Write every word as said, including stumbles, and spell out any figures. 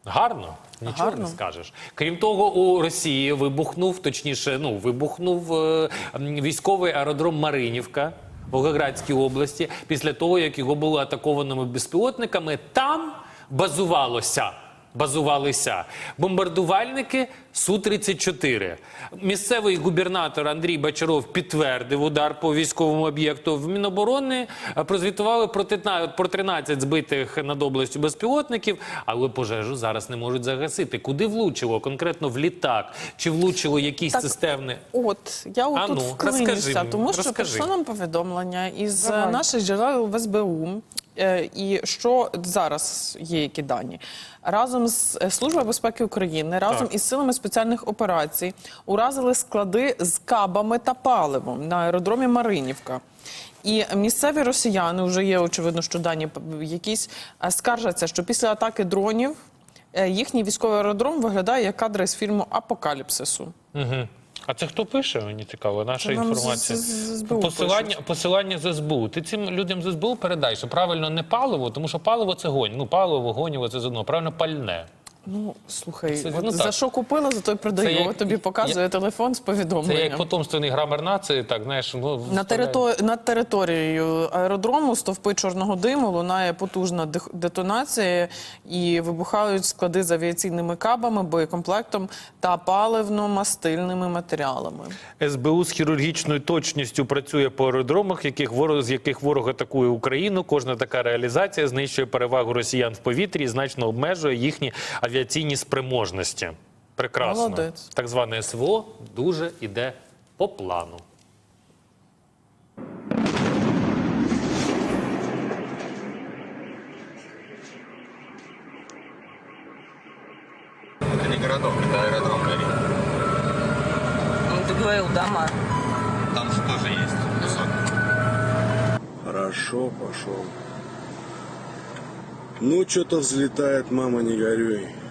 Гарно. Нічого Гарно. не скажеш. Крім того, у Росії вибухнув, точніше, ну, вибухнув е, військовий аеродром Маринівка в Волгоградській області після того, як його було атакованими безпілотниками. Там базувалося, базувалися бомбардувальники Су тридцять чотири. Місцевий губернатор Андрій Бочаров підтвердив удар по військовому об'єкту. В Міноборони прозвітували про тринадцять збитих над областю безпілотників, але пожежу зараз не можуть загасити. Куди влучило? Конкретно в літак? Чи влучило якісь Так, системні? От, я отут ну, вклинюся, розкажи, тому що розкажи. прийшло нам повідомлення із Давай. наших джерел в Ес Бе У, е, і що зараз є які дані. Разом з Службою безпеки України, разом Так. із силами спеціальних операцій уразили склади з кабами та паливом на аеродромі Маринівка. І місцеві росіяни, вже є, очевидно, що дані якісь, е, скаржаться, що після атаки дронів е, їхній військовий аеродром виглядає як кадри з фільму «Апокаліпсису». Угу. А це хто пише? Мені цікаво, наша Це нам інформація. з- з- з Ес Бе У Посилання, пишуть. посилання з Ес Бе У. Ти цим людям з Ес Бе У передай, що правильно не паливо, тому що паливо це гонь. Ну, паливо, вогонєво це з одного. Правильно пальне. Ну, слухай, Це, от ну, за так. що купила, за то й продаю. Це як- От тобі показує я- телефон з Це повідомленням. як потомственний грамер нації, так, знаєш, ну, На вставляє. територ... Над територією аеродрому стовпи чорного диму лунає потужна дих- детонація і вибухають склади з авіаційними кабами, боєкомплектом та паливно-мастильними матеріалами. Ес Бе У з хірургічною точністю працює по аеродромах, яких ворог, з яких ворог атакує Україну. Кожна така реалізація знищує перевагу росіян в повітрі і значно обмежує їхні авіаційні спроможності. Прекрасно. Молодець. Так зване Ес Ве О дуже іде по плану. Это не городок, это аэродром. Ну, ты говорил, дома. Там же тоже есть кусок. Хорошо, пошел. Ну, что-то взлетает, мама, не горюй.